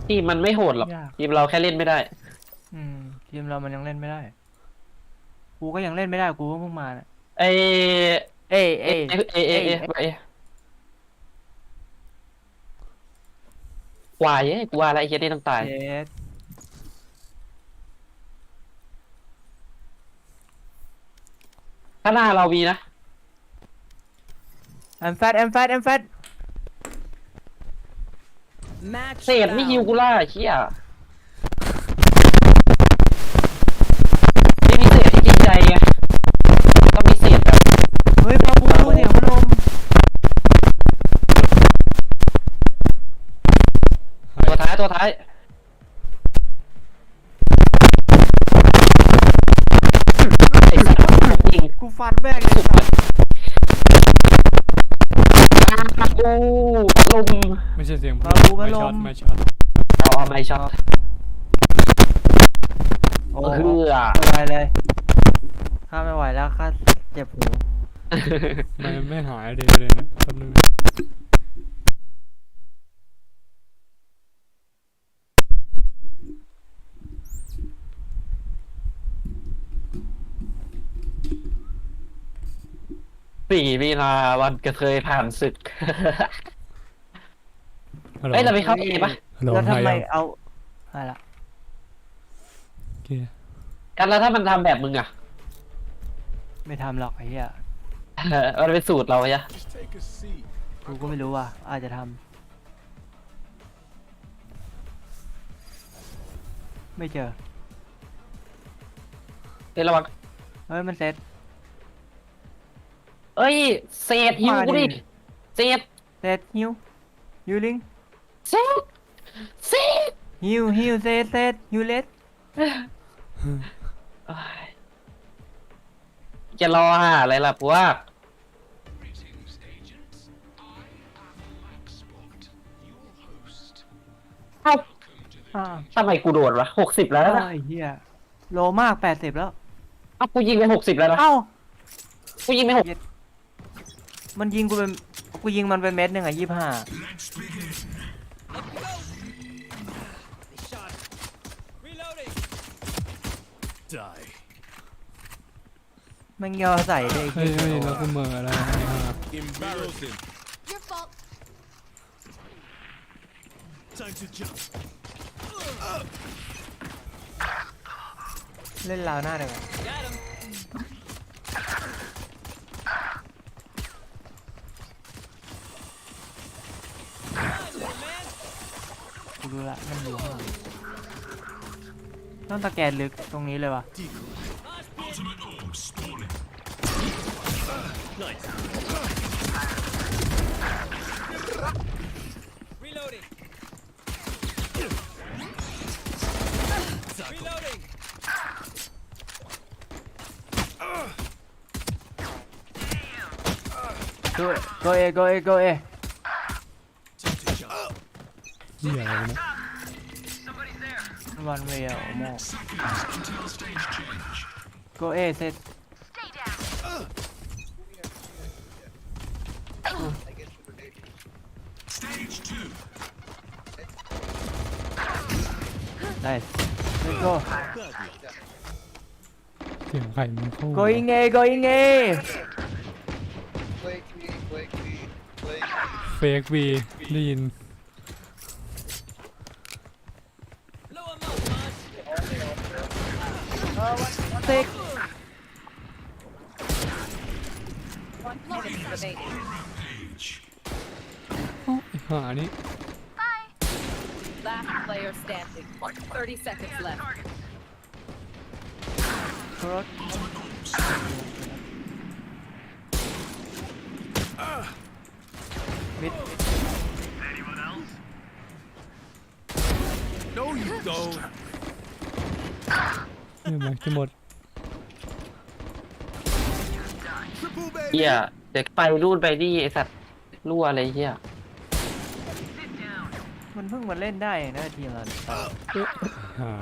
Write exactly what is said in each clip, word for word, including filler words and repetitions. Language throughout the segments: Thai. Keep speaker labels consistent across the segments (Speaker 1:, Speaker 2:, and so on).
Speaker 1: ทีมมันไม่โหดหรอก
Speaker 2: ยาก
Speaker 1: ทีมเราแค่เล่นไม่ได้
Speaker 2: อืมทีมเรามันยังเล่นไม่ได้กูก็ยังเล่นไม่ได้กูก็เพิ่งมาเนี่ย
Speaker 1: ไอ
Speaker 2: เอ้ย
Speaker 1: เอ
Speaker 2: เอ้ย
Speaker 1: เอเอเอ
Speaker 2: เอ้ย
Speaker 1: เอเอควายเอ้ยกูว่าอะไรไอ้เหี้ยนี่ต้องตาย
Speaker 2: เจ็ด
Speaker 1: ถ้าหน้าเรามีนะ
Speaker 2: แอมแฟตแอมแฟตแอมแฟต
Speaker 3: Match
Speaker 1: เศษไม่ฮิวกู
Speaker 3: found.
Speaker 1: ล่าไอ้เหี้ยไม่มีเศษที่จริงใจไงต้องมีเศษแบบ
Speaker 2: เฮ้ยปาบูเสียงพัดลม
Speaker 1: ตัวท้ายตัวท้ายไอ้สัตว์ผมยิง
Speaker 2: กูฟันแม่งเลยสัส
Speaker 1: โอ้ลม
Speaker 4: ไม่ใช่เสียง
Speaker 2: ปาบูพัดล
Speaker 4: ไม่ช็อต
Speaker 2: ม
Speaker 4: ไม่ช็อต
Speaker 1: เอาเอาไม่ช็อต
Speaker 2: โอ้
Speaker 1: เฮือ
Speaker 2: ไม่ไหวเลยข้าไม่ไหวแล้วข้าเจ็บหู
Speaker 4: ไม่ไม่หายเลยเลยนะแป๊บนึง
Speaker 1: สี่มีนาวันกระเทยผ่านศึก
Speaker 4: ฮัลโหล
Speaker 1: เอ้ยเราไปเข้าเอปะ
Speaker 4: ฮัลโหล
Speaker 2: แล้วทำไม
Speaker 4: หายยัง
Speaker 2: เอาอะไรละ
Speaker 4: โอเค
Speaker 1: กันแล้วถ้ามันทำแบบมึงอ่ะ
Speaker 2: ไม่ทำหรอกไอ้เหี้ย
Speaker 1: มันเป็นสูตรเราอะ
Speaker 2: กูก็ไม่รู้ว่ะอาจจะทำไม่เจอ
Speaker 1: เอ้ยระวัง
Speaker 2: เฮ้ยมันเซ็ต
Speaker 1: เอ้ยเศษหิวกูดิ
Speaker 2: มาดิ
Speaker 1: เศษ
Speaker 2: เซ็ตฮิวฮิวลิง
Speaker 1: เศษเศษ
Speaker 2: ฮิวฮิวเซ็ตเซ็ตฮิวเลส
Speaker 1: เอ้ยจะรอหาอะไรล่ะพวกเอ้า
Speaker 2: อ่า
Speaker 1: ทำไมกูโดดวะหกสิบแล้วนะ
Speaker 2: ไอ้เหี้ยโลมากแปดสิบแล้ว
Speaker 1: เอ้ากูยิงไปหกสิบแล้วนะ
Speaker 2: เอ้า
Speaker 1: กูยิงไปหก
Speaker 2: มันยิงกูเป็นกูยิงมันเป็นเม็ดหนึ่งอ่ะยี่ห้า มันยอใส่ได้
Speaker 4: เฮ้ย
Speaker 2: ไอ้
Speaker 4: เฮ้ย
Speaker 2: เหี้ย
Speaker 4: แล้วกูเมืออะไรนะ
Speaker 5: Embarrassing.
Speaker 3: Your fault.
Speaker 5: Time to jump.
Speaker 2: เล่นลาวหน้าเดี๋ยวก่อน
Speaker 3: Got him.
Speaker 2: กูรู้ละมันอยู่ข้างหลังต้องตะแกนลึกตรงนี้เลยวะ
Speaker 3: Reloading. Reloading.
Speaker 2: โกโกเอโกเอโกเอ
Speaker 5: Time to jump.
Speaker 4: เหี้ยอะไรวะเนี่ย
Speaker 2: วันเวลโมโกเอเซต ได้ let's go
Speaker 4: เสียงไข่มันเข้า
Speaker 2: going A going A
Speaker 6: Blake me, Blake me, Blake me.
Speaker 4: เฟกวีได้ยิน
Speaker 3: Blow him up, man.
Speaker 2: เซ็ก
Speaker 3: One minute remaining.
Speaker 4: หานี่
Speaker 3: Last player standing. Thirty seconds left.
Speaker 2: รถมิด
Speaker 5: No, you don't.
Speaker 4: เนี่ยมันจะหมด
Speaker 5: Triple baby.
Speaker 1: เฮียเดี๋ยวไปรูดไปนี่ไอสัตว์รั่วอะไรเฮีย
Speaker 2: มันเพิ่งมาเล่นได้เองนะทีมเราเนี่ย
Speaker 4: หา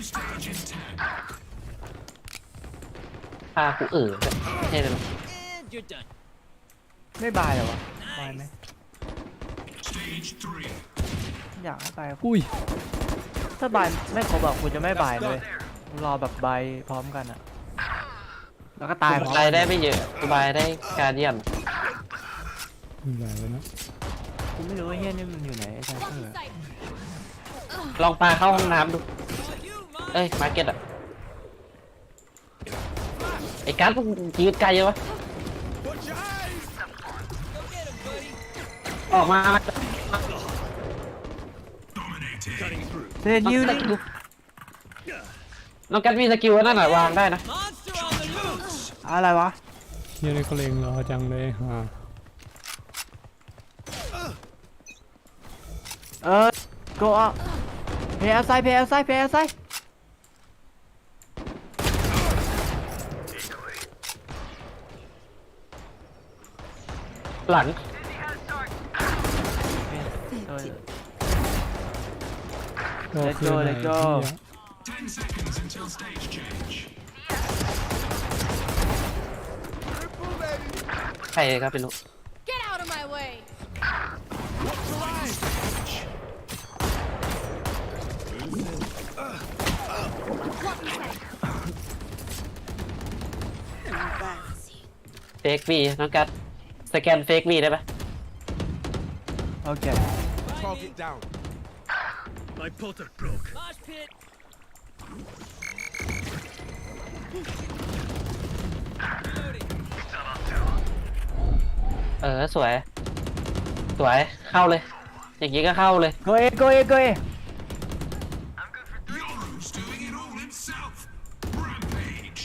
Speaker 1: พากูเอ๋อใช่เลย
Speaker 3: And you're done.
Speaker 2: ไม่บายเหรอวะบายไหมอยากให้บาย
Speaker 4: อุ้ย
Speaker 2: ถ้าบายไม่ครบอะกูจะไม่บายเลยรอแบบบายพร้อมกันอะแล้วก็ตายพร้อม
Speaker 1: รายได้ไม่เยอะสบายได้การเดียน
Speaker 4: ไม่ไหวแล้วนะ
Speaker 2: กูไม่รู้ว่าเฮียนี่มันอยู่ไหนไอ้ชาเตอร์
Speaker 1: ลองปลาเข้าห้องน้ำดู เอ้ย มาร์เก็ตอะไอ้การ์ดมึงยืดไกลยังวะ
Speaker 5: Watch your eyes.
Speaker 3: Go get him, buddy.
Speaker 1: ออกมา
Speaker 5: Cutting through.
Speaker 2: เซนยูนี่
Speaker 1: น้องกัดมีสกิลนั่นน่ะวางได้นะ
Speaker 3: Monster on the loose.
Speaker 2: อะไรวะ
Speaker 4: เฮียนี่เขาเลงรอจังเลยฮะ
Speaker 2: เออ go up play outside play outside play outside
Speaker 1: หลัง
Speaker 2: เออ
Speaker 4: ก็
Speaker 2: Let's
Speaker 4: คือ
Speaker 2: go,
Speaker 4: ไหน
Speaker 2: let's go
Speaker 4: เหี้ย
Speaker 5: Triple, baby.
Speaker 1: ใครครับเป็นลูก
Speaker 3: Get out of my way.
Speaker 5: Watch your eyes.
Speaker 1: เฟกมีน้องกัดสแกนเฟกมีได้ปะ
Speaker 2: โอเค
Speaker 5: Target down. My potter broke.
Speaker 3: Mosh pit.
Speaker 1: เออสวย สวยเข้าเลย อย่างงี้ก็เข้าเลย
Speaker 2: go A go A go A
Speaker 5: Yoru's doing it all himself. Rampage.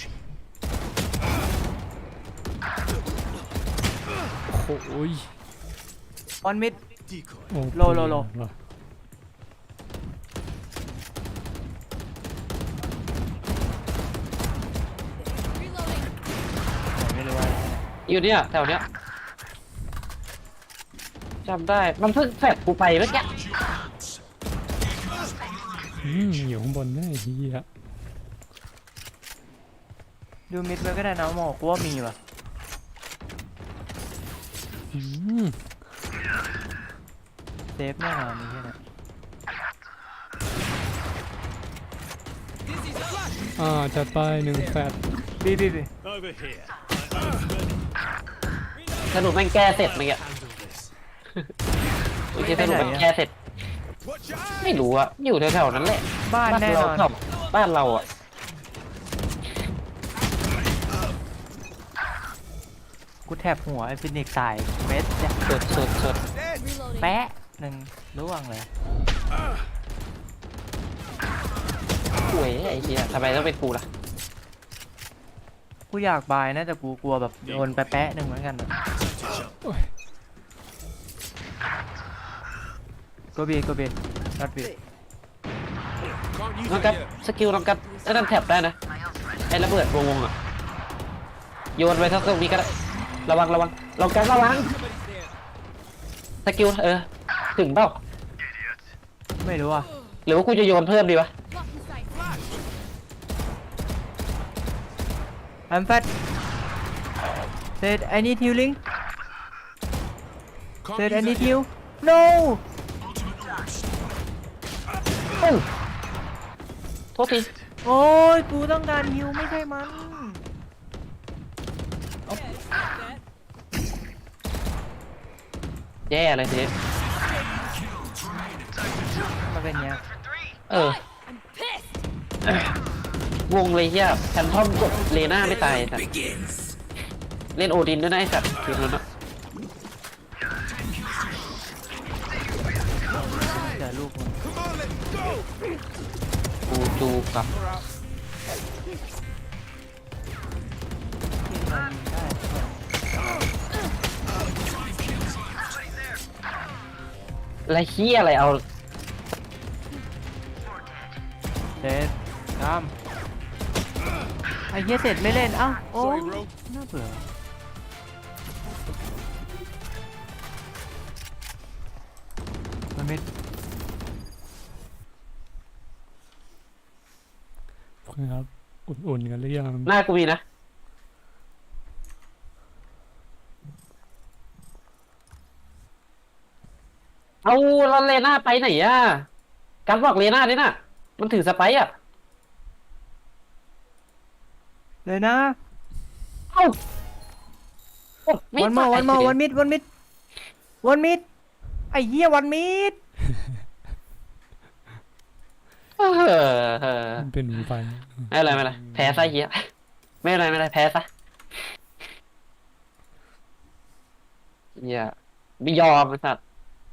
Speaker 4: โอ้ย
Speaker 2: one mid
Speaker 5: Decoy.
Speaker 4: โอ้
Speaker 2: โลโลโล
Speaker 4: ว่ะ
Speaker 2: ไม่รู้ว่า
Speaker 1: อยู่เนี่ยแถวเนี้ยจำได้ มันเพิ่งแฟดกูไปเมื่อกี้
Speaker 4: อืมอยู่ข้างบนแน่เฮีย
Speaker 2: ดูมิดไว้ก็ได้นะหมอกูว่ามีว่ะ
Speaker 4: อืม
Speaker 2: เซฟแน่นอนนี่แค่นั้น
Speaker 4: อ่าจัดไปหนึ่งแฟด
Speaker 2: บีบีบี
Speaker 5: Over here. My eyes ready.
Speaker 1: สรุปแม่งแก้เสร็จเมื่อกี้
Speaker 5: Handle this.
Speaker 1: เมื่อกี้สรุปแม่งแก้เสร็จ
Speaker 5: Watch your eyes.
Speaker 1: ไม่รู้อะอยู่แถวๆนั้นแหละ
Speaker 2: บ้านแน่นอน
Speaker 1: เราบ้านเราอะ
Speaker 2: กูแทบหัวไอ้ฟินิกซ์ตายเม็ดเนี่ย
Speaker 1: สุดสุดสุด
Speaker 5: Dead.
Speaker 3: Reloading.
Speaker 2: แปะหนึ่งร่วงเลย
Speaker 1: หวยไอ้เหี้ยทำไมต้องเป็นกูล่ะ
Speaker 2: กูอยากบายนะแต่กูกลัวแบบโดนแปะๆหนึ่งเหมือนกันอะ go B go B not B
Speaker 5: Can't use
Speaker 1: น้อง
Speaker 5: it
Speaker 1: กัด
Speaker 5: here.
Speaker 1: สกิลน้องกัดไอ้นั่นแท็บได้นะไอ้ระเบิดวงๆอะโยนไปทั้งตรงนี้ก็ได้ระวังระวังลองกันระวัง
Speaker 3: Somebody's there.
Speaker 1: สกิลเออถึงเปล่า
Speaker 2: ไม่รู้อ่ะ
Speaker 1: หรือว่ากูจะโยนเพิ่มดีวะ
Speaker 3: Blocking sight.
Speaker 2: I'm fat said I need healing
Speaker 5: Can't
Speaker 2: said I
Speaker 5: use
Speaker 2: need
Speaker 5: it here.
Speaker 2: heal no
Speaker 1: เอ้าโทษที
Speaker 2: โอ้ยกูต้องการฮิวไม่ใช่มัน
Speaker 3: Yeah, that.
Speaker 1: แย่เลยทีนี้
Speaker 2: มาเป็นเนี้ย
Speaker 1: เออ
Speaker 3: I'm pissed.
Speaker 1: วงเลยเฮียแพนทอมกดเลน่าไม่ตายสัตว์เล่นโอดินด้วยนะไอ้สัตว์ทีมนั้นอะ
Speaker 2: เจอลูกมัน
Speaker 5: Come on, let's go.
Speaker 1: กูจูกับ
Speaker 2: ที่มันยิงได้
Speaker 1: อะไรเฮียอะไรเอา
Speaker 2: เสร็จตามไอ้เหี้ยเสร็จไม่เล่นเอ้าโอ้
Speaker 5: Sorry, bro.
Speaker 2: น่าเบื่อมันไม่
Speaker 4: ครับอุ่นๆกันหรือยัง
Speaker 1: หน้ากูมีนะเอาแล้วเลน่าไปไหนอ่ะการบอกเลน่าด้วยน่ะ มันถือสไปร์อ่ะ
Speaker 2: เลยนะ
Speaker 1: เอ้าโอ้ไ
Speaker 2: วันมอ
Speaker 1: ตาย
Speaker 2: วันมอวันมิดวันมิดวันมิดไอ้เหี้ยวันมิด
Speaker 1: เออ
Speaker 4: มันเป็นหนูไฟ
Speaker 1: ไม่เป็นไรไม่เป็นไรแพ้ซะเหี้ยไม่เป็นไรไม่เป็นไรแพ้ซะเหี้ยไม่ยอมไอ้สัตว์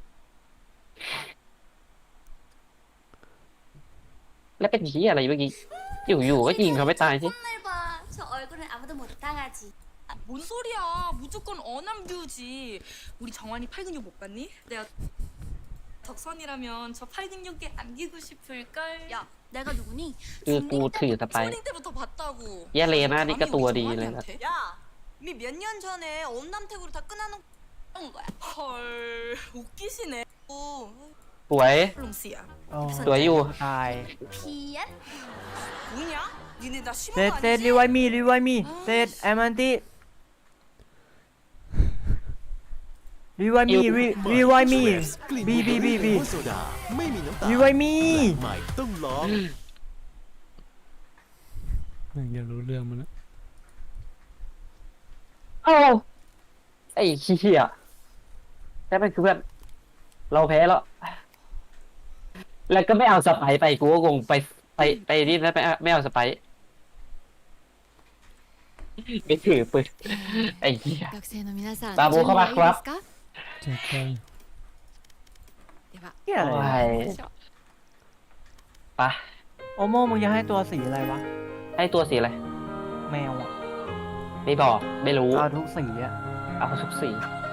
Speaker 1: แล้วเป็นเหี้ยอะไรเมื่อกี้อยู่ๆก็ยิงเขาไม่ตายสิ
Speaker 7: 날 봐. 저 얼굴은 아무도 못 당하지.
Speaker 8: 아, 뭔 소리야? 무조건 어남뷰지. 우리 정환이 팔근육 못 봤니? 내가 덕선이라면 저 팔근육에 안기고 싶을걸.
Speaker 7: 야, 내가 누구니?
Speaker 1: คือกูถือสไปร์
Speaker 8: 초딩 때부터 봤다고.
Speaker 1: เหี้ยเลน่านี่ก็
Speaker 8: 감히
Speaker 1: ตัว
Speaker 8: 우리
Speaker 1: ดีเลยนะ
Speaker 8: 정환이한테?
Speaker 7: 야, 이미 몇 년 전에 엄남택으로 다 끊어놓은 거야.
Speaker 8: 헐, 웃기시네. 오,
Speaker 1: สวย
Speaker 8: 롱씨야.
Speaker 2: โอ้
Speaker 1: สวยอยู่
Speaker 2: ตาย
Speaker 7: 비엔?
Speaker 8: 뭐냐? 니네 나 심한
Speaker 2: เซ
Speaker 8: 거
Speaker 2: ตเซต
Speaker 8: 아니지?
Speaker 2: รีไวมีรีไวมีเซตแอมันติรีไวมีรีรีไวมีบีบีบีบี
Speaker 9: โซดาไม่มีน้ำตาล
Speaker 2: รีไวมี
Speaker 9: ใหม่ต้องลอง
Speaker 4: แม่งอยากรู้เรื่องมันนะ
Speaker 1: เอ้าไอ้เหี้ยแต่เป็นคือเพื่อนเราแพ้แล้ว แล้วก็ไม่เอาสไปร์ไปกูก็คงไปไปไปนี่แล้วไปไม่เอาสไปร์ไม่ถือปืนไอ้เหี้ย
Speaker 3: 学生の皆さん、
Speaker 1: バボコバコバ
Speaker 3: 準備はいいですか？
Speaker 4: แจ็คไป
Speaker 3: では、
Speaker 2: เหี้ยอะไร
Speaker 1: โอ้
Speaker 2: อะ
Speaker 1: ย
Speaker 3: 行きましょう。
Speaker 1: ไปะ
Speaker 2: โอโมมึงจะให้ตัวสีอะไรวะ
Speaker 1: ให้ตัวสีอะไร
Speaker 2: แมวอ่ะ
Speaker 1: ไม่บอกไม่รู้
Speaker 2: เอาทุกสีอ่ะ
Speaker 1: เอาทุกสี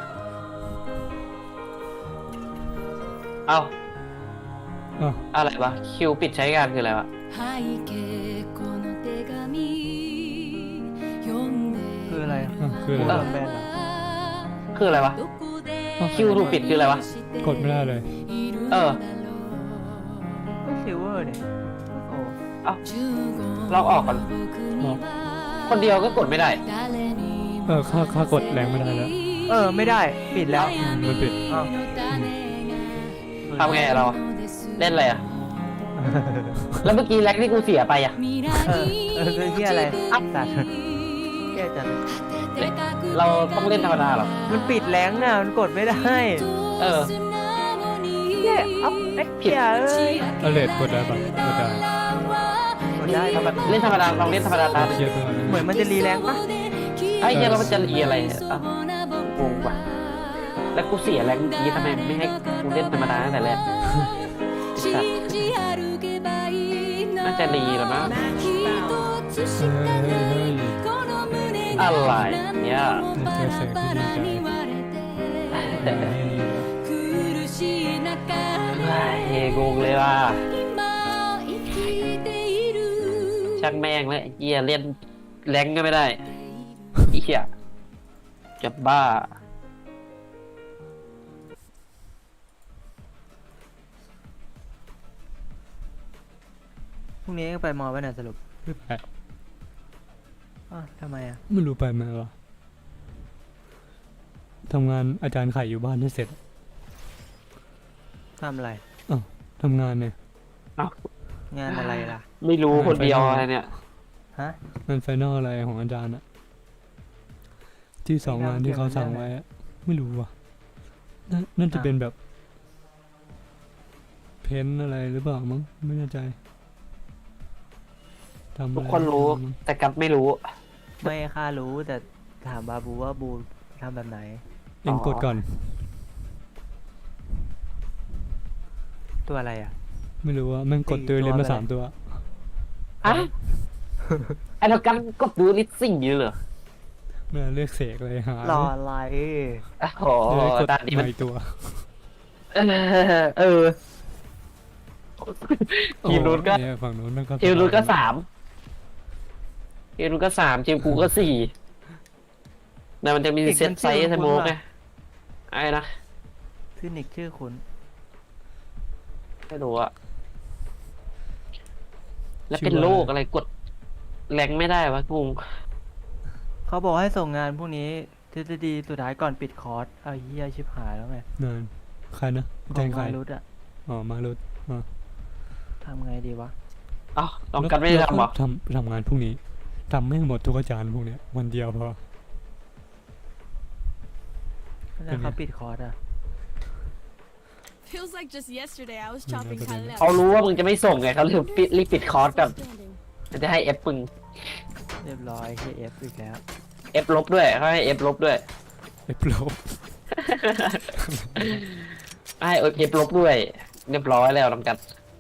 Speaker 1: เอา
Speaker 4: อ้าว
Speaker 1: อะไรวะคิวปิดใช้งานคืออะไรวะ
Speaker 3: 背景この手紙読んで
Speaker 2: คืออะไรอะ
Speaker 4: อ้าวคือ
Speaker 2: โด
Speaker 4: อะไร
Speaker 2: นแบนเหรอ
Speaker 1: คืออะไรวะ
Speaker 3: どこで
Speaker 1: คิวถูกปิดคืออะไรวะ
Speaker 4: กดไม่ได้เลย
Speaker 1: เออ
Speaker 2: ก็ซิลเวอร์เนี่ยโอ้
Speaker 1: เราออกก่อน คนเดียวก็กดไม่ได้
Speaker 4: เออค่าค่ากดแรงไม่ได้แล้ว
Speaker 2: เออไม่ได้ปิดแล้ว
Speaker 4: อืมมันปิด
Speaker 2: อ้าว
Speaker 1: ทำไงอะเราอะเล่นอะไรอะแล้วเมื่อกี้แร็กที่กูเสียไปอะ
Speaker 2: เออเออคือเหี้ยอะไรอัพสัตว์แย่จัง
Speaker 1: เราต้องเล่นธรรมดาเหรอ
Speaker 2: มันปิดแรงน่ะมันกดไม่ได้
Speaker 1: เออ
Speaker 2: แย่อัพเอ็กเหี้ยเอ้ย
Speaker 4: เอาเลดกดได้ปะกดได้
Speaker 2: กดได้
Speaker 1: ธรรมดาเล่นธรรมดาลองเล่นธรรมดาตาม
Speaker 4: เครียดไปก่อน
Speaker 2: เหมือนมันจะรีแรงปะ
Speaker 1: ไอ้เหี้ยเรามันจะรีอะไรอะอ่ะงงว่ะแล้วกูเสียแรงเมื่อกี้ทำไมไม่ให้กูเล่นธรรมดาตั้งแต่แรกสัตว์น่าจะรีหรอมั้ง
Speaker 4: เฮ้ยเฮ้ยเฮ้ย
Speaker 1: อะไรเนี่ย
Speaker 4: เจอเสกที่ดีใจ
Speaker 1: เฮงงเลยว่ะช่างแม่งเลยเหี้ยเล่นแรงก็ไม่ได้ไอ้เหี้ยจะบ้า
Speaker 2: พรุ่งนี้ไปมอไปไหนสรุป
Speaker 4: ไม่ไป
Speaker 2: อ้าวทำไมอ่ะ
Speaker 4: ไม่รู้ไปไหมวะทำงานอาจารย์ไข่อยู่บ้านให้เสร็จ
Speaker 2: ทำอะไร
Speaker 4: ทำงานเนี่ย
Speaker 2: งานอะไรล่ะ
Speaker 1: ไม่รู้คนเดียวอะไรเนี่ย
Speaker 2: ฮะ
Speaker 4: งานไฟนอลอะไรของอาจารย์อะที่สองงานที่เขาสั่งไว้อะไม่รู้ว่ะน่าน่าจะเป็นแบบ เพ้นท์อะไรหรือเปล่ามั้งไม่แน่ใจทำอะไร
Speaker 1: ทุกคนรู้
Speaker 4: มั้ง
Speaker 1: แต่กับไม่รู้
Speaker 2: ไม่ค่ารู้แต่ถามบาบูว่าบูทำแบบไหน
Speaker 4: เองกดก่อน
Speaker 2: ตัวอะไรอ่ะ
Speaker 4: ไม่รู้ว่าแม่งกด
Speaker 2: สี่
Speaker 4: ตัวเรียน
Speaker 2: ตัว
Speaker 4: มา
Speaker 2: ไป
Speaker 4: สามตัว
Speaker 1: อะไอ้เรากันกดดูลิสซิ่งอยู่เหรอ
Speaker 4: เมื่อเลือกเสกเลยหาร
Speaker 2: ออะไร
Speaker 1: โอ้โห
Speaker 4: เลยกด
Speaker 1: ตานนี้มัน
Speaker 4: ใหม่ตัว
Speaker 1: เออเออ ทีมนู้นก็
Speaker 4: โอ้เนี่ยฝั่งนู้นมันก็
Speaker 1: ทีมนู้นก็สามทีมนู้นก็สามทีมกูก็สี่แต่มันจะมีเซตไซส์สโมกไงไอ้นะ
Speaker 2: ฟินิกซ์ชื่อคุณ
Speaker 1: ไม่รู้อะแล้วเป็นโรคอะไรกดแรงไม่ได้วะงง
Speaker 2: เขาบอกให้ส่งงานพวกนี้ทฤษฎีสุดท้ายก่อนปิดคอร์สเอาเฮียชิบหายแล้วไง
Speaker 4: นานใครนะแทงใคร
Speaker 2: มารุดอะ
Speaker 4: อ๋อมารุดอ๋อ
Speaker 2: ทำไงดีวะ
Speaker 1: เอ้าน้องกันไม่ได้
Speaker 4: แล้ว
Speaker 1: ทำเหรอ
Speaker 4: ทำทำงานพรุ่งนี้ทำไม่หมดทุกอาจารย์พวกเนี้ยวันเดียวพอ
Speaker 2: แล้วเขาปิดคอร์สอะ
Speaker 3: Feels like just yesterday I was
Speaker 4: Mm,
Speaker 3: chopping
Speaker 4: but then-
Speaker 3: Kyle
Speaker 1: เขารู้ว่ามึงจะไม่ส่งไงเขาเลยปิดรีบปิดคอร์สแบบมันจะให้เอฟมึง
Speaker 2: เรียบร้อยเคเอฟอีกแล้ว
Speaker 1: เอฟลบด้วยเขาให้เอฟลบด้วย
Speaker 4: ไอ้โปร
Speaker 1: ให้เอฟลบด้วยเรียบร้อยแล้วน้องกัน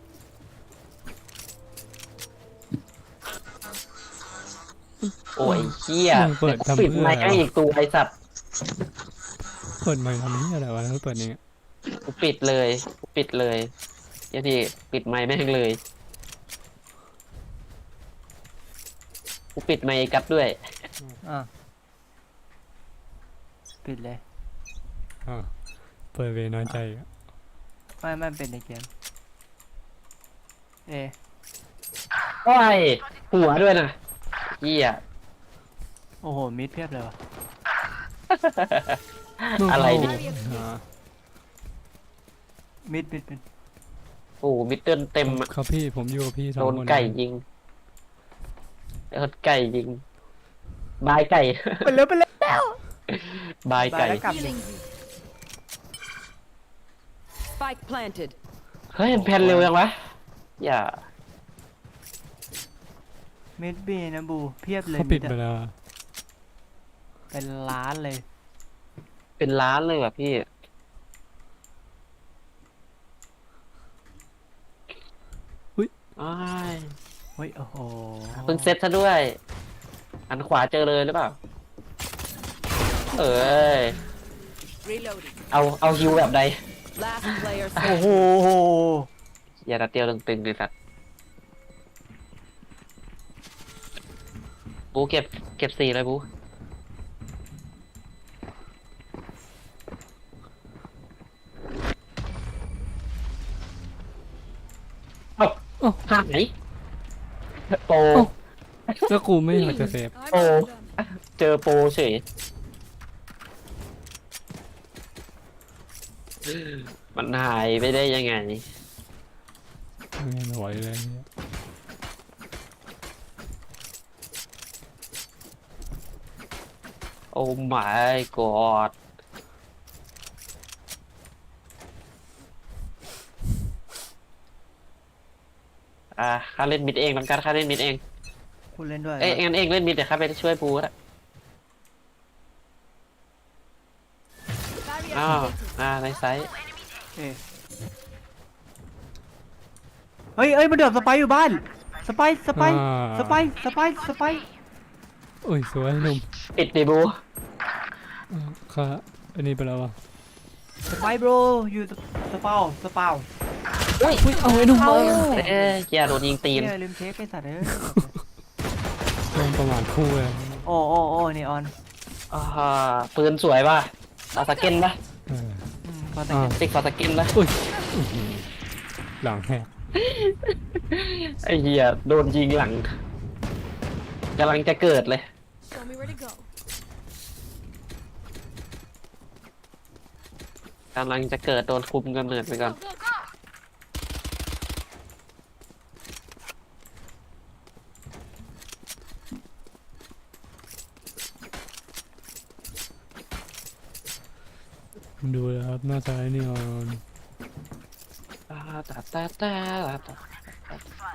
Speaker 1: โอ้ยเหี้ย
Speaker 4: มึงเปิดทำ
Speaker 1: ปิด
Speaker 4: เพื่อ
Speaker 1: ไม
Speaker 4: อะไร
Speaker 1: ค์ให้
Speaker 4: วะ
Speaker 1: อีกตัวไอสัตว์
Speaker 4: เปิดไมค์ทำนี่อะไรวะแล้วเปิดอย่างเงี้ย
Speaker 1: กูปิดเลยกูปิดเลยเดี๋ยวพี่ปิดไมค์แม่งเลยกูปิดไมค์ไอ้กัดด้วย
Speaker 2: อ่ะปิดเลย
Speaker 4: อ่าเปิดเวน้อยใจอีกอะ
Speaker 2: ไม่ไม่เป็นในเกมเอ
Speaker 1: โอ้ยหัวด้วยนะเหี้ย
Speaker 2: โอ้โหมิดเพียบเลยวะ
Speaker 1: อะไรดิ
Speaker 4: อ่า
Speaker 2: มิดมิดมิด
Speaker 1: โอ้มิดเดิลเต็มอะ
Speaker 4: ครับพี่ผมอยู่กับพี่สอง
Speaker 1: โด
Speaker 4: คน
Speaker 1: นไก่ยิงโดนไก่ยิงบายไก่
Speaker 2: ไปแล้วไปแล้ว
Speaker 1: บายไก่
Speaker 2: แล้วกลับดิ
Speaker 3: Spike planted
Speaker 1: เฮ้ยมันแพนเร็วยังวะอย่า
Speaker 2: มิดบีนะบูเพียบเลย
Speaker 4: เขาปิด
Speaker 2: มิ
Speaker 4: ไป
Speaker 2: อะ
Speaker 4: แล้ว
Speaker 2: เป็นล้านเลย
Speaker 1: เป็นล้านเลยว่ะพี่ อ้าย
Speaker 2: เฮ้ยโอ้โห
Speaker 1: เพิ่งเซ็ตซะด้วย อันขวาเจอเลยหรือเปล่า เอ้ย
Speaker 3: Reloading
Speaker 1: เอาเอาฮิวแบบใด
Speaker 3: Last player
Speaker 2: โอ้โห
Speaker 1: อย่าดัดเดียวตึงๆเลยสัตว์บูเก็บเก็บสี่เลยบูเอ้า
Speaker 4: เอ้า
Speaker 1: หายโปร
Speaker 4: แล้วกูไม่อยากจะเซฟ
Speaker 1: โปรเจอโปรเฉยมันหายไปได้ยังไง
Speaker 4: ไม่ไหวเลยเนี่ย
Speaker 1: โอ้ my god อ่าข้าเล่นมิดเองน้ำการข้าเล่นมิดเอง
Speaker 2: คุณเล่นด้วย
Speaker 1: เอ้ยงั้นเองเล่นมิดเดี๋ยวข้าไปช่วยปูก็ได้อ้าวอ่าในไซส์
Speaker 2: เอเฮ้ยเอ้ยมันเดือบสไปร์อยู่บ้านสไปร์สไปร์
Speaker 4: อ่า
Speaker 2: สไปร์สไปร์สไปร์
Speaker 4: โอ้ยสวยหนุ่ม
Speaker 1: ปิดดิบู
Speaker 4: อ่าค่ะอันนี้ไปแล้ววะ
Speaker 2: สไปร์โบรอยู่สเปาสเปา
Speaker 1: อุ้ย
Speaker 4: อุ้ยเอาไอ้หนุ่ม
Speaker 2: เอา
Speaker 1: เอ้ยอย่าโดนยิงตีน
Speaker 2: เหี้ยลืมเช็คไอ้สัตว์เอ้ย
Speaker 4: โดนประมาทคู่เลย
Speaker 2: โอ้โอ้โอ้นี่ออน
Speaker 1: อ่าปืนสวยป่ะฟาสเกนป่ะ
Speaker 4: เออ
Speaker 2: อืมพอแต่
Speaker 4: อ่า
Speaker 1: ติ๊กฟาสเกนป่ะ
Speaker 4: อุ้ยอื้อหือหลังแหก
Speaker 1: ไอ้เหี้ยโดนยิงหลังกำลังจะเกิดเลย
Speaker 3: Show me where to go
Speaker 1: กำลังจะเกิดโดนคุมกำเนิดไปก่อน
Speaker 3: Go go
Speaker 4: ดูเลยครับหน้าซ้ายนี่ออน
Speaker 1: ตาตาตาตาตา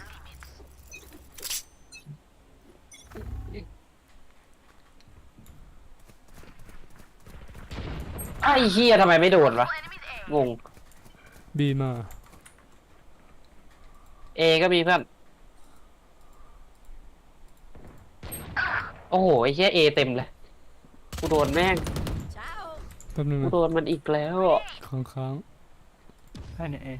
Speaker 1: ไอ้เฮียทำไมไม่โดดวะงง
Speaker 4: บีมา
Speaker 1: เอก็มีเพื่อนโอ้โหไอ้เฮียเอเต็มเลยกูโดนแม่ง
Speaker 3: Ciao
Speaker 4: แป๊บนึง
Speaker 1: กู
Speaker 4: นะ
Speaker 1: โดนมันอีกแล้ว
Speaker 4: ค้างค้าง
Speaker 2: แค่นี้เอง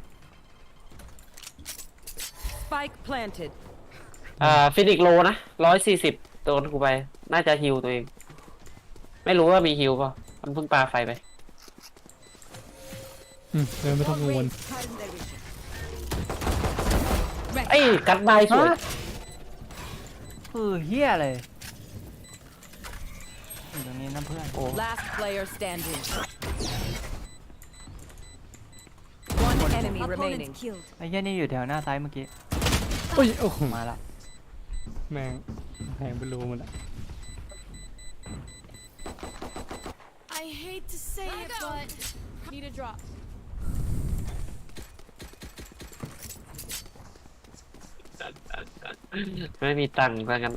Speaker 3: Spike planted
Speaker 1: อ่าฟินิกโลนะร้อยสี่สิบโดนกูไป น่าจะฮิวตัวเอง ไม่รู้ว่ามีฮิวป่ะมันเพิ่งปาไฟไป
Speaker 4: อืมเดินไม่ต้องกังวล
Speaker 1: ไอ้ยกัดบายสวย
Speaker 2: เออเฮียเลยอยู่ตรงนี้นะเพื่อน
Speaker 1: โอ้
Speaker 3: Last player standing
Speaker 10: enemy remaining.
Speaker 3: killed.
Speaker 2: ไอ้เหี้ยนี่อยู่แถวหน้าซ้ายเมื่อกี้
Speaker 4: โอ้ยโอ้โห
Speaker 2: มาละ
Speaker 4: แม่งแพงเป็นรูหมดละ
Speaker 3: I hate to say it, but need a drop.
Speaker 1: ไม่มีตังค์ซะงั้น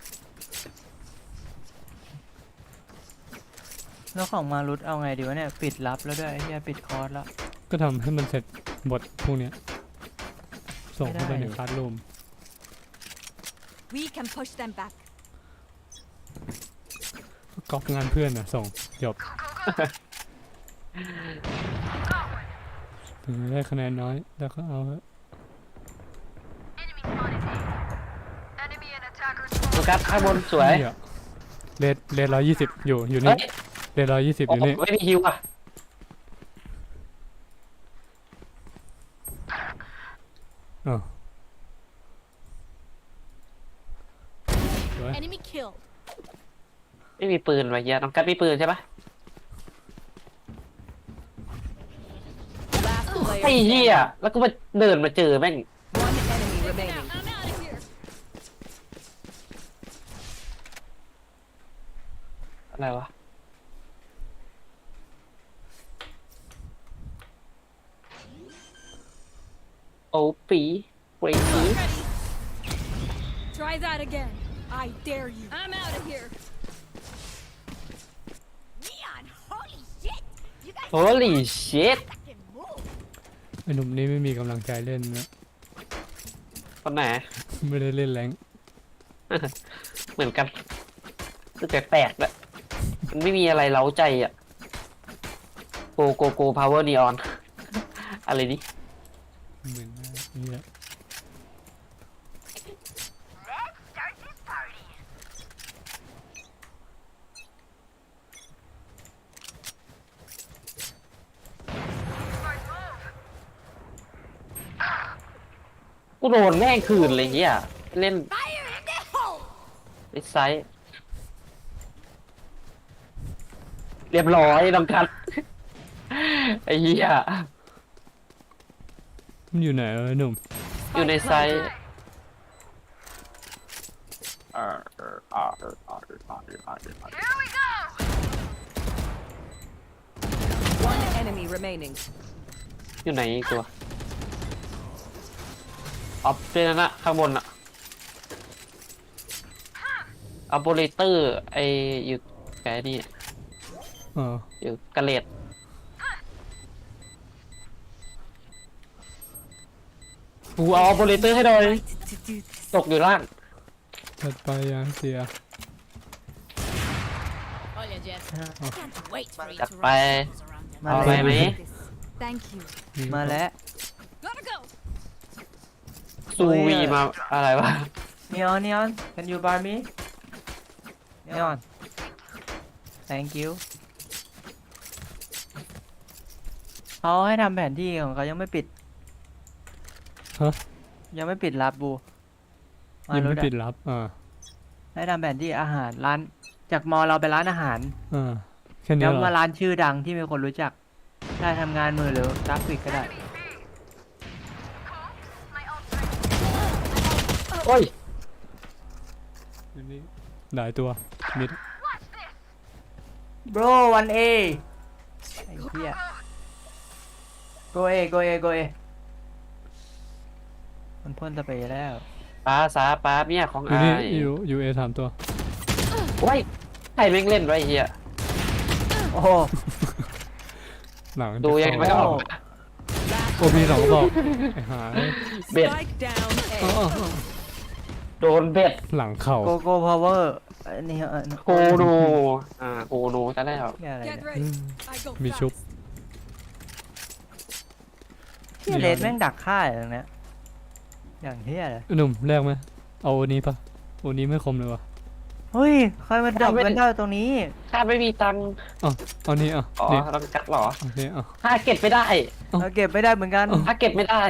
Speaker 2: แล้วของมารุตเอาไงดีวะเนี่ยปิดรับแล้วด้วยไอ้เหี้ยปิดคอร์สแล้ว
Speaker 4: ก็ทำให้มันเสร็จบทพวกเนี้ยส่งเข้าไป
Speaker 2: ไม่ได้
Speaker 4: ในคลาสรูม
Speaker 3: We can push them back.
Speaker 4: ก๊อปงานเพื่อนอ่ะส่งจบถึงได้คะแนนน้อยแล้วก็เอาเถอะ
Speaker 1: โฟกัสข้างบนสวย
Speaker 4: เหี้ยเลดเลดร้อยยี่สิบอยู่อยู่
Speaker 1: เฮ้
Speaker 4: นี่
Speaker 1: ย
Speaker 4: เลดร้อยยี่สิบอ
Speaker 1: โอ้
Speaker 4: ยู่
Speaker 1: โห
Speaker 4: นี่
Speaker 1: ไม่มีฮิวอ่ะ
Speaker 4: อ๋อสวย
Speaker 3: Enemy killed.
Speaker 1: ไม่มีปืนวะเฮียน้องกัดมีปืนใช่ปะ
Speaker 10: Last
Speaker 1: ไอ้
Speaker 10: player
Speaker 1: เฮีย
Speaker 10: standing.
Speaker 1: แล้วก็มาเดินมาเจอแม่ง
Speaker 10: One enemy remaining.
Speaker 3: I'm out of here.
Speaker 1: อะไรวะ โอ้ปีเวที
Speaker 3: Try that again. I dare you. I'm out of here.
Speaker 10: Neon, holy shit! You guys
Speaker 1: โฮลี่ชิต
Speaker 10: can move.
Speaker 4: ไอ้หนุ่มนี่ไม่มีกำลังใจเล่นนะ
Speaker 1: คนไหน
Speaker 4: ไม่ได้เล่นแรง
Speaker 1: เหมือนกันคือแปลกๆด้วยมันไม่มีอะไรเล้าใจอ่ะโกโกโกพาวเวอร์นีออน อะไรนี่
Speaker 4: เหมือนนี่แหละ
Speaker 1: กูโดนแม่งคืนเลยเฮียเล่น
Speaker 3: Fire in the hole.
Speaker 1: ไอ้ไซส์เรียบร้อยน้องกัด ไอ้เหี้ย
Speaker 4: มันอยู่ไหนเออหนุ่ม
Speaker 1: อยู่ในไซส์อ่าอ่าอ่าอ่าอ่าอ่า
Speaker 10: One enemy remaining.
Speaker 1: อยู่ไหนอีกตัวออฟเป็นนั่นนะข้างบนอะออปเปอเรเตอร์ไออยู่แกนี่
Speaker 4: อ๋อ
Speaker 1: อยู่กระเลดกูเอาออปเปอเรเตอร์ให้หน่อย ตกอยู่ล่าง
Speaker 4: ถัดไปยังเสีย
Speaker 3: Olha, Jeff. Can't wait for you
Speaker 1: จัด
Speaker 3: to
Speaker 1: ไป
Speaker 3: run circles around them.
Speaker 2: มา
Speaker 1: เอา
Speaker 2: เล
Speaker 1: ไป
Speaker 2: ย
Speaker 1: ไหม
Speaker 3: Thank you.
Speaker 2: มาแล้ว
Speaker 3: Gotta go.
Speaker 1: ซูวีมาอะไรวะ
Speaker 2: Neon Neon can you buy me Neon thank you เขาให้ทำแผนที่ของเขายังไม่ปิด
Speaker 4: ฮะ
Speaker 2: ยังไม่ปิดรับบู
Speaker 4: ยัง
Speaker 2: รุ
Speaker 4: ไม่
Speaker 2: อะ
Speaker 4: ปิดรับอ่า
Speaker 2: ให้ทำแผนที่อาหารร้าน จากมอเราไปร้านอาหาร
Speaker 4: อ่าแค่นี้
Speaker 2: แล้ว
Speaker 4: เหรอ
Speaker 2: มาร้านชื่อดังที่มีคนรู้จัก ได้ทำงานมือหรือกราฟิกก็ได้
Speaker 1: โอ้ย
Speaker 4: อยู่นี่หลายตัวมิด
Speaker 2: bro วันเอไอ้เหี้ย go A go A go A มันพ่นสเปรย์แล้ว
Speaker 1: ป้าสาป้าเนี่ยของ
Speaker 4: อยู่
Speaker 1: อา
Speaker 4: นี่
Speaker 1: ย
Speaker 4: อยู่อยู่เอสามตัว
Speaker 1: โอ้ยใครแม่งเล่นไว้เฮีย
Speaker 2: โอ้โห
Speaker 4: หลัง
Speaker 1: ดูยังไงไม่ออก
Speaker 4: โอ้มีสองกระบอกไอ้หา
Speaker 1: เบ็ด
Speaker 10: Spike down
Speaker 4: อ๋อ
Speaker 10: A.
Speaker 4: อ๋ออ๋อ
Speaker 1: โดนเบ็ด
Speaker 4: หลังเข่า
Speaker 2: โกโก้พาวเวอร์อันนี้เออ
Speaker 1: โกโนอ่าโกโนจะได้หรอ
Speaker 2: เหี้ยอะไร
Speaker 3: Get
Speaker 2: เนี่ย
Speaker 3: ready. I go
Speaker 4: มี
Speaker 3: fast.
Speaker 4: ชุบ
Speaker 2: เหี้ยเลสแม่งดักฆ่าอย่างเนี้ยอย่างเหี้ยเลย
Speaker 4: หนุ่มแรกไหมเอาโอนี้ปะโอนี้ไม่คมเลยวะ
Speaker 2: เฮ้ยใครมาดักกันได้ตรงนี้
Speaker 1: ถ้าไม่มีตังค์
Speaker 4: อ๋อเอานี้อ่ะ
Speaker 1: อ๋อ
Speaker 4: นี่
Speaker 1: ต้องกัดเหรอ
Speaker 4: เอานี้อ่ะ
Speaker 1: ถ้าเก็บไม่ได้
Speaker 2: เราเก็บไม่ได้เหมือนกัน
Speaker 1: ถ้าเก็บไม่ได้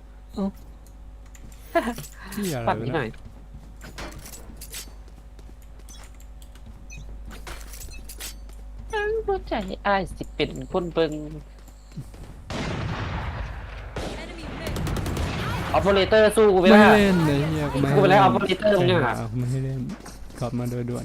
Speaker 4: ที่อะไร
Speaker 1: ปัด
Speaker 4: วะ
Speaker 1: นิดหน่
Speaker 4: เนี่
Speaker 1: อย ยหัวใจอ้ายสิเป็นคนเบิงอเปอเรเตอร์สู้กูไป
Speaker 4: ไม่
Speaker 1: แล้ว
Speaker 4: ให้เล่นเลยเฮียกูไม่ให้
Speaker 1: กูไปแล้
Speaker 4: เล่
Speaker 1: วน เอา operator มึงยังหา
Speaker 4: กูไม่ให้เล่นกลับมาโดยด่วน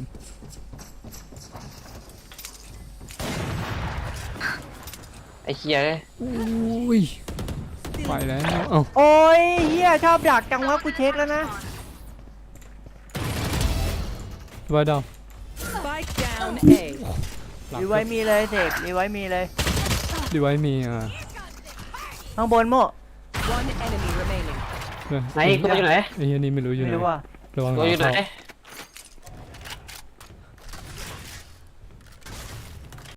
Speaker 1: ไอ้เคียเลย
Speaker 4: อุ้ยไปแล้วเอ้า
Speaker 2: โอ้ยเฮียชอบดักจังวะกูเช็คแล้วนะ
Speaker 4: ไว้ดาว
Speaker 10: Spike down A.
Speaker 4: หลัง
Speaker 2: รีไว้มีเลยเสกรีไว้มีเลย
Speaker 4: ดีไว้มีอ่ะ
Speaker 2: ข้างบนโม่
Speaker 10: One enemy remaining.
Speaker 4: เออ
Speaker 1: ไหนกูอยู่ไหน
Speaker 4: ไอ้เฮียนี่ไม่รู้อยู่ไห
Speaker 2: ไม่
Speaker 4: น
Speaker 2: รู้ว่า
Speaker 4: ระวังห
Speaker 1: กู
Speaker 4: ลัง
Speaker 1: อยู่ไหน
Speaker 4: เข้า